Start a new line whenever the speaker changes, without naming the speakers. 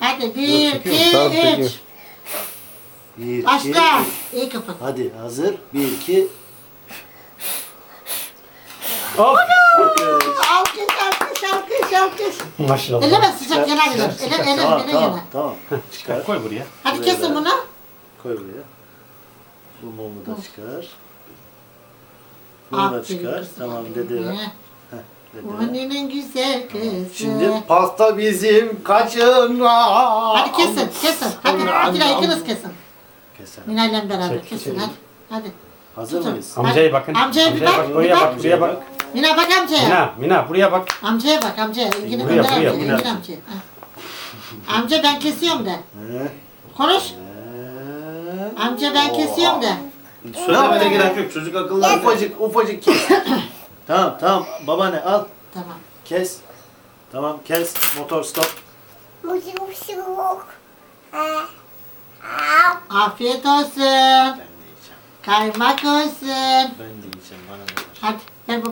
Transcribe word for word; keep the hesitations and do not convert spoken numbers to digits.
Hadi bir, iki,
Tamam, çekiyorum.
üç.
Bir, iki,
Başla.
üç.
İyi kapat.
Hadi hazır. Bir, iki.
Hop.
Alkış, alkış, alkış, alkış.
Maşallah.
Eleme sıcak yana gider. Ele, ele,
Tamam,
ele
tamam,
yana.
tamam.
Çıkar koy buraya.
Hadi kesin bunu.
Koy buraya. Bu mumu da çıkar. Bunu da
Aferin
çıkar.
kızım.
Tamam dede ver.
He.
Heh, dede ver.
Annenin güzel kızı.
Şimdi pasta bizim kaçına.
Hadi kesin, kesin. Hadi, hadi de ikiniz kesin.
Keselim.
Minayla beraber
Çek,
kesin
çekelim.
hadi. Hadi.
Hazır
Tutun.
mıyız?
Amcaya bakın.
Amcaya bir bak, bir
Buraya
bak.
bak, buraya bak.
Mina bak amcaya.
Mina, Mina buraya bak.
Amcaya bak amcaya. İlgini
Buraya,
gönder
buraya,
amcaya.
buraya.
İlgini amcaya. Ha. Amca ben kesiyorum de.
He.
Konuş.
He.
Amca ben kesiyorum de.
Söylemene gerek yok. Çocuk akıllı. Ufacık ufacık kes. Tamam tamam. Babaanne al.
Tamam.
Kes. Tamam kes. Motor stop.
Afiyet olsun.
Ben de yiyeceğim.
Kaymak olsun.
Ben de yiyeceğim. Bana da ver.
Hadi.